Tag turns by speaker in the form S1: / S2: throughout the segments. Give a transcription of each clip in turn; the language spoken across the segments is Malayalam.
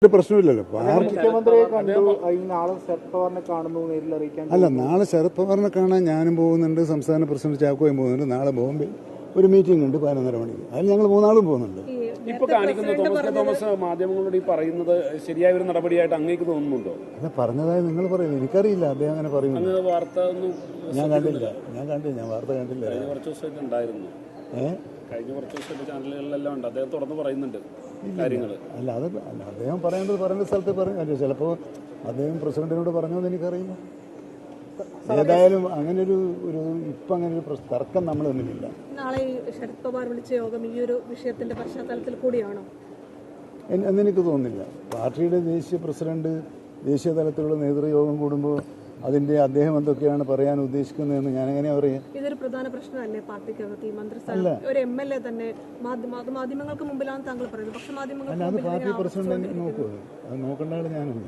S1: പ്രശ്നമില്ലല്ലോ.
S2: മുഖ്യമന്ത്രിയെ കണ്ടു, നാളെ ശരത് പവാറിനെ കാണുന്നു, നേരിൽ അറിയിക്കാൻ.
S1: അല്ല, നാളെ ശരത് പവാറിനെ കാണാൻ ഞാനും പോകുന്നുണ്ട്, സംസ്ഥാന പ്രസിഡന്റ് ചാക്കോയും പോകുന്നുണ്ട്. നാളെ ബോംബെ ഒരു മീറ്റിംഗ് ഉണ്ട് 11:30 മണിക്ക്. അതിൽ ഞങ്ങൾ 3 ആളും പോകുന്നുണ്ട്.
S3: ഇപ്പൊ കാണിക്കുന്ന തോമസ് മാധ്യമങ്ങളോട് ഈ പറയുന്നത് ശരിയായ ഒരു നടപടിയായിട്ട് അങ്ങേക്ക് തോന്നുന്നുണ്ടോ?
S1: അല്ല, പറഞ്ഞതായി നിങ്ങൾ പറയുന്നു, എനിക്കറിയില്ല അദ്ദേഹം അങ്ങനെ പറയുന്നു.
S3: വാർത്ത ഒന്നും
S1: ഞാൻ കണ്ടില്ല. ഞാൻ വാർത്ത കണ്ടില്ല.
S3: കഴിഞ്ഞ കുറച്ച് ദിവസമായിട്ട് ഉണ്ടായിരുന്നു. കഴിഞ്ഞ കുറച്ച് ദിവസമായിട്ട് ചാനലുകളിലെല്ലാം ഉണ്ട്, അദ്ദേഹം തുറന്ന് പറയുന്നുണ്ട് കാര്യങ്ങൾ.
S1: അല്ല, അദ്ദേഹം പറയേണ്ട സ്ഥലത്ത് പറയും. ചിലപ്പോൾ അദ്ദേഹം പ്രസിഡന്റിനോട് പറഞ്ഞോ എന്ന് എനിക്കറിയില്ല. ഏതായാലും അങ്ങനെ ഒരു ഇപ്പം അങ്ങനെ ഒരു തർക്കം നമ്മൾ തമ്മിലില്ല.
S4: നാളെ ശരത് പവാർ വിളിച്ച യോഗം ഈ ഒരു വിഷയത്തിന്റെ പശ്ചാത്തലത്തിൽ കൂടിയാണോ
S1: എന്നെനിക്ക് തോന്നുന്നില്ല. പാർട്ടിയുടെ ദേശീയ പ്രസിഡന്റ് ദേശീയ തലത്തിലുള്ള നേതൃയോഗം കൂടുമ്പോൾ അതിന്റെ അദ്ദേഹം എന്തൊക്കെയാണ് പറയാൻ ഉദ്ദേശിക്കുന്നതെന്ന് ഞാൻ എങ്ങനെയാ പറയാ?
S4: ഇതൊരു പ്രധാന പ്രശ്നമല്ലേ പാർട്ടിക്കകത്ത്? ഈ മന്ത്രിസ്ഥാനം ഒരു MLA തന്നെ മാധ്യമങ്ങൾക്ക് മുമ്പിലാണ് താങ്കൾ പറയുന്നത്, പക്ഷെ മാധ്യമങ്ങൾ
S1: അത് പാർട്ടി പ്രസിഡന്റ് നോക്കൂ, അത് നോക്കേണ്ട ആൾ ഞാനല്ല.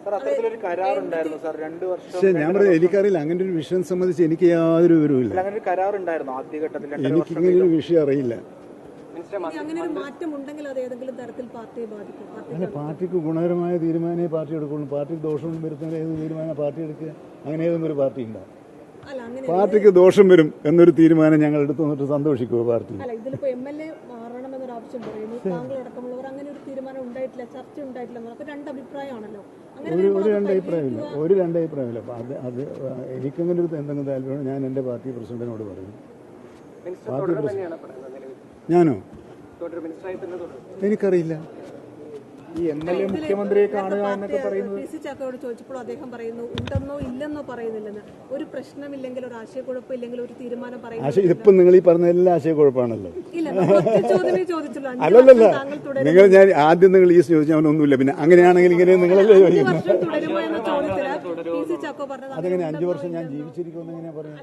S1: പക്ഷേ ഞാൻ പറയാം, എനിക്കറിയില്ല അങ്ങനെ ഒരു വിഷയം സംബന്ധിച്ച് എനിക്ക് യാതൊരു വിവരവുമില്ല. എനിക്കിങ്ങനെ ഒരു വിഷയം അറിയില്ല.
S4: അങ്ങനെ ഒരു മാറ്റം ഉണ്ടെങ്കിൽ അത് ഏതെങ്കിലും തരത്തിൽ പാർട്ടിയെ ബാധിക്കും?
S1: അല്ല, പാർട്ടിക്ക് ഗുണകരമായ തീരുമാനമേ പാർട്ടി എടുക്കുള്ളൂ. പാർട്ടിക്ക് ദോഷം വരുത്തുന്ന ഏത് തീരുമാനം പാർട്ടി എടുക്കുക? അങ്ങനെ ഏതെങ്കിലും ഒരു പാർട്ടി ഉണ്ടോ? പാർട്ടിക്ക് ദോഷം വരും എന്നൊരു തീരുമാനം ഞങ്ങൾ എടുത്തു വന്നിട്ട് സന്തോഷിക്കുമോ പാർട്ടി?
S4: അല്ല, ഇതിലിപ്പോ MLA മാറണമെന്നൊരു ആവശ്യം പറയുന്നു, താങ്കൾ അടക്കമുള്ളവർ അങ്ങനെ ഒരു തീരുമാനം ഉണ്ടായിട്ടില്ല, ചർച്ച ഉണ്ടായിട്ടില്ല. അപ്പൊ രണ്ട് അഭിപ്രായമാണല്ലോ.
S1: ഒരു രണ്ട് അഭിപ്രായമില്ല. അത് എനിക്കങ്ങനെ ഒരു എന്തെങ്കിലും താല്പര്യം ഞാൻ എൻ്റെ പാർട്ടി പ്രസിഡന്റിനോട് പറയും. പാർട്ടി ഞാനോ? എനിക്കറിയില്ല.
S2: ഈ MLA മുഖ്യമന്ത്രിയെ കാണുക എന്നൊക്കെ പറയുന്നത്
S4: PC ചാക്കോയോട് ചോദിച്ചപ്പോൾ അദ്ദേഹം പറയുന്നു ഉണ്ടെന്നോ ഇല്ലെന്നോ പറയുന്നില്ലെന്ന്. ഒരു പ്രശ്നമില്ലെങ്കിൽ, ഒരു ആശയക്കുഴപ്പം ഇല്ലെങ്കിൽ ഒരു തീരുമാനം പറയുന്നത്.
S1: ഇപ്പം നിങ്ങൾ ഈ പറഞ്ഞ എല്ലാ ആശയക്കുഴപ്പമാണല്ലോ.
S4: അല്ലല്ല,
S1: നിങ്ങൾ ഞാൻ ആദ്യം നിങ്ങൾ ഈ ചോദിച്ചാൽ ഒന്നുമില്ല, പിന്നെ അങ്ങനെയാണെങ്കിൽ ഇങ്ങനെ നിങ്ങളല്ലേ ചോദിക്കുന്നത്? അതെങ്ങനെ 5 വർഷം ഞാൻ ജീവിച്ചിരിക്കുമെന്ന് എങ്ങനെയാ പറയാം?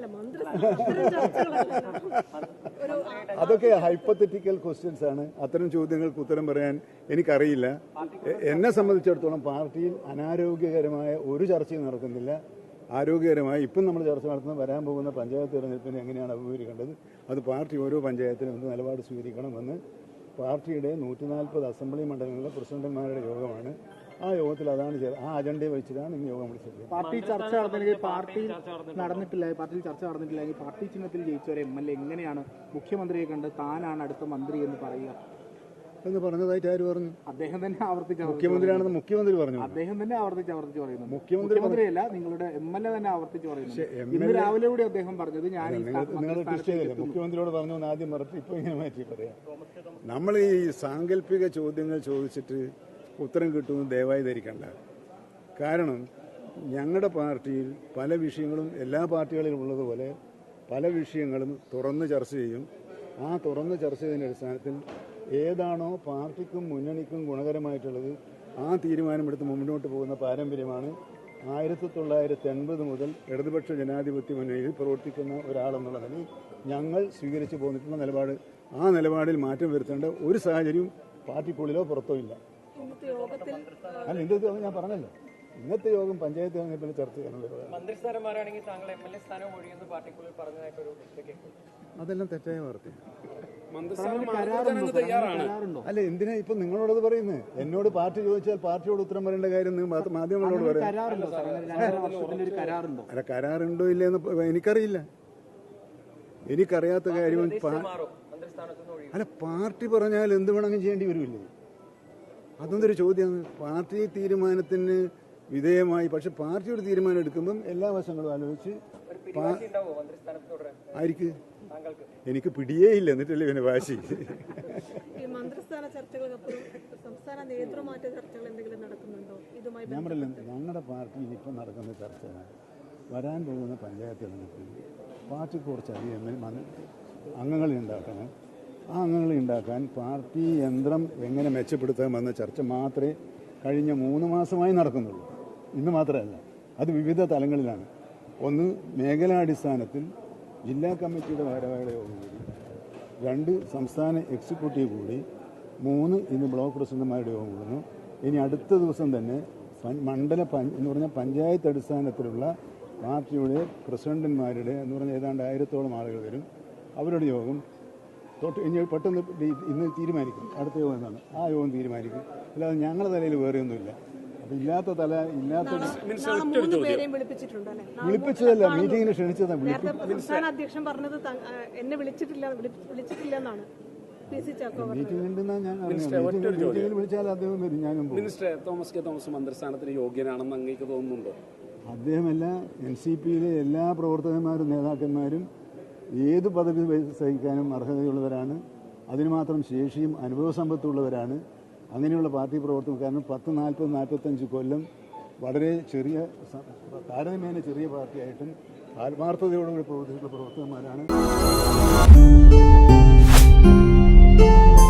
S1: അതൊക്കെ ഹൈപ്പത്തറ്റിക്കൽ ക്വസ്റ്റ്യൻസ് ആണ്. അത്തരം ചോദ്യങ്ങൾക്ക് ഉത്തരം പറയാൻ എനിക്കറിയില്ല. എന്നെ സംബന്ധിച്ചിടത്തോളം പാർട്ടിയിൽ അനാരോഗ്യകരമായ ഒരു ചർച്ചയും നടക്കുന്നില്ല. ആരോഗ്യകരമായി ഇപ്പം നമ്മൾ ചർച്ച നടത്തുന്ന വരാൻ പോകുന്ന പഞ്ചായത്ത് തിരഞ്ഞെടുപ്പിനെ എങ്ങനെയാണ് അഭിമുഖീകരിക്കേണ്ടത്, അത് പാർട്ടി ഓരോ പഞ്ചായത്തിനും എന്ത് നിലപാട് സ്വീകരിക്കണമെന്ന് പാർട്ടിയുടെ 140 അസംബ്ലി മണ്ഡലങ്ങളിലെ പ്രസിഡന്റുമാരുടെ യോഗമാണ്. ആ യോഗത്തിൽ അതാണ് ആ അജണ്ടയെ വെച്ചിട്ടാണ് ഇന്ന് യോഗം വിളിച്ചത്.
S2: പാർട്ടി ചർച്ച നടന്നില്ലെങ്കിൽ പാർട്ടിയിൽ ചർച്ച നടന്നിട്ടില്ലെങ്കിൽ പാർട്ടി ചിഹ്നത്തിൽ ജയിച്ച ഒരു MLA എങ്ങനെയാണ് മുഖ്യമന്ത്രിയെ കണ്ട് താനാണ് അടുത്ത മന്ത്രി എന്ന് പറയുക
S1: എന്ന് പറഞ്ഞതായിട്ട് ആര് പറഞ്ഞു?
S2: അദ്ദേഹം തന്നെ ആവർത്തിച്ച്
S1: മുഖ്യമന്ത്രിയാണെന്ന് മുഖ്യമന്ത്രി പറഞ്ഞു.
S2: അദ്ദേഹം തന്നെ ആവർത്തിച്ച് പറയുന്നു. മുഖ്യമന്ത്രിയല്ല, നിങ്ങളുടെ MLA തന്നെ ആവർത്തിച്ച് പറയുന്നു. ഇന്ന് രാവിലെ കൂടി അദ്ദേഹം പറഞ്ഞത് ഞാൻ
S1: മുഖ്യമന്ത്രിയോട് പറഞ്ഞു എന്ന് ആദ്യം പറഞ്ഞിട്ട് ഇപ്പൊ ഇങ്ങനെ മാറ്റി പറയാം. നമ്മൾ ഈ സാങ്കല്പിക ചോദ്യങ്ങൾ ചോദിച്ചിട്ട് ഉത്തരം കിട്ടുമെന്ന് ദയവായി ധരിക്കണ്ട. കാരണം ഞങ്ങളുടെ പാർട്ടിയിൽ പല വിഷയങ്ങളും എല്ലാ പാർട്ടികളിലും ഉള്ളതുപോലെ പല വിഷയങ്ങളും തുറന്ന് ചർച്ച ചെയ്യും. ആ തുറന്ന് ചർച്ച ചെയ്യുന്ന അടിസ്ഥാനത്തിൽ ഏതാണോ പാർട്ടിക്കും മുന്നണിക്കും ഗുണകരമായിട്ടുള്ളത് ആ തീരുമാനമെടുത്ത് മുന്നോട്ട് പോകുന്ന പാരമ്പര്യമാണ് 1980 മുതൽ ഇടതുപക്ഷ ജനാധിപത്യ മുന്നണിയിൽ പ്രവർത്തിക്കുന്ന ഒരാളെന്നുള്ള നിലയിൽ ഞങ്ങൾ സ്വീകരിച്ചു പോന്നിട്ടുള്ള നിലപാട്. ആ നിലപാടിൽ മാറ്റം വരുത്തേണ്ട ഒരു സാഹചര്യവും പാർട്ടിക്കുള്ളിലോ പുറത്തോ ഇല്ല. അല്ല, ഇന്നത്തെ ഞാൻ പറഞ്ഞല്ലോ, ഇന്നത്തെ യോഗം പഞ്ചായത്ത് തെരഞ്ഞെടുപ്പിൽ ചർച്ച ചെയ്യാനുള്ളത്. അതെല്ലാം തെറ്റായ വാർത്തയാണ്. അല്ല, എന്തിനാ ഇപ്പൊ നിങ്ങളോടത് പറയുന്നത്? എന്നോട് പാർട്ടി ചോദിച്ചാൽ പാർട്ടിയോട് ഉത്തരം പറയേണ്ട കാര്യം മാധ്യമങ്ങളോട് പറയാം. അല്ല, കരാറുണ്ടോ ഇല്ലെന്ന് എനിക്കറിയില്ല. എനിക്കറിയാത്ത കാര്യം അല്ല, പാർട്ടി പറഞ്ഞാൽ എന്ത് വേണമെങ്കിലും ചെയ്യേണ്ടി വരുമില്ലേ? അതൊന്നൊരു ചോദ്യമാണ്. പാർട്ടി തീരുമാനത്തിന് വിധേയമായി, പക്ഷെ പാർട്ടി ഒരു തീരുമാനം എടുക്കുമ്പം എല്ലാ വശങ്ങളും ആലോചിച്ച് ആയിരിക്കും. എനിക്ക് പിടിയേ ഇല്ല, എന്നിട്ടല്ലേ പിന്നെ വാശി. ഞാൻ പറയില്ല, ഞങ്ങളുടെ പാർട്ടിയിൽ ഇപ്പം നടക്കുന്ന ചർച്ച വരാൻ പോകുന്ന പഞ്ചായത്ത് തെരഞ്ഞെടുപ്പിൽ പാർട്ടിക്ക് കുറച്ചധികം അംഗങ്ങളെ ഉണ്ടാക്കണം. ആ അംഗങ്ങളെ ഉണ്ടാക്കാൻ പാർട്ടി യന്ത്രം എങ്ങനെ മെച്ചപ്പെടുത്താമെന്ന ചർച്ച മാത്രമേ കഴിഞ്ഞ 3 മാസമായി നടക്കുന്നുള്ളൂ. ഇന്ന് മാത്രമല്ല, അത് വിവിധ തലങ്ങളിലാണ്. ഒന്ന്, മേഖലാടിസ്ഥാനത്തിൽ ജില്ലാ കമ്മിറ്റിയുടെ ഭാരവാഹികളുടെ യോഗം കൂടി, 2 സംസ്ഥാന എക്സിക്യൂട്ടീവ് കൂടി, 3 ഇന്ന് ബ്ലോക്ക് പ്രസിഡന്റുമാരുടെ യോഗം കൂടുന്നു. ഇനി അടുത്ത ദിവസം തന്നെ എന്ന് പറഞ്ഞാൽ പഞ്ചായത്ത് അടിസ്ഥാനത്തിലുള്ള പാർട്ടിയുടെ പ്രസിഡന്റുമാരുടെ എന്ന് പറഞ്ഞാൽ ഏതാണ്ട് 1000-ഓളം ആളുകൾ വരും. അവരുടെ യോഗം തൊട്ട് ഇനി പെട്ടെന്ന് ഇന്ന് തീരുമാനിക്കും അടുത്ത യോഗം എന്നാണ് ആ യോഗം തീരുമാനിക്കും. അല്ലാതെ ഞങ്ങളുടെ തലയിൽ വേറെ ഒന്നുമില്ല. അപ്പം ഇല്ലാത്ത തല ഇല്ലാത്ത
S4: നാളെ 3 പേരെയും വിളിപ്പിച്ചിട്ടുണ്ട് അല്ലേ?
S1: വിളിപ്പിച്ചതല്ല, മീറ്റിങ്ങിന് ക്ഷണിച്ചതാണ്.
S4: നേരത്തെ സംസ്ഥാന അധ്യക്ഷൻ പറഞ്ഞത് എന്നെ വിളിച്ചിട്ടില്ലെന്നാണ്. PC ചാക്കോ പറഞ്ഞത്.
S1: മീറ്റിംഗ് ഉണ്ടെന്നാണ് ഞാൻ അറിഞ്ഞത്. മീറ്റിങ്ങിൽ വിളിച്ചാൽ അദ്ദേഹം വരും, ഞാനും പോകും.
S3: മിനിസ്റ്ററെ, തോമസ് കെ തോമസ് മന്ത്രിസ്ഥാനത്തിന് യോഗ്യനാണെന്ന് അങ്ങേക്ക് തോന്നുന്നുണ്ടോ?
S1: അദ്ദേഹമല്ല, NCPയിലെ എല്ലാ പ്രവർത്തകന്മാരും നേതാക്കന്മാരും ഏത് പദവി സഹിക്കാനും അർഹതയുള്ളവരാണ്. അതിന് മാത്രം ശേഷിയും അനുഭവ സമ്പത്തുള്ളവരാണ്. അങ്ങനെയുള്ള പാർട്ടി പ്രവർത്തകർ, കാരണം 40-45 കൊല്ലം വളരെ ചെറിയ, താരതമ്യേന ചെറിയ പാർട്ടിയായിട്ടും ആത്മാർത്ഥതയോടുകൂടി പ്രവർത്തിച്ചിട്ടുള്ള പ്രവർത്തകന്മാരാണ്.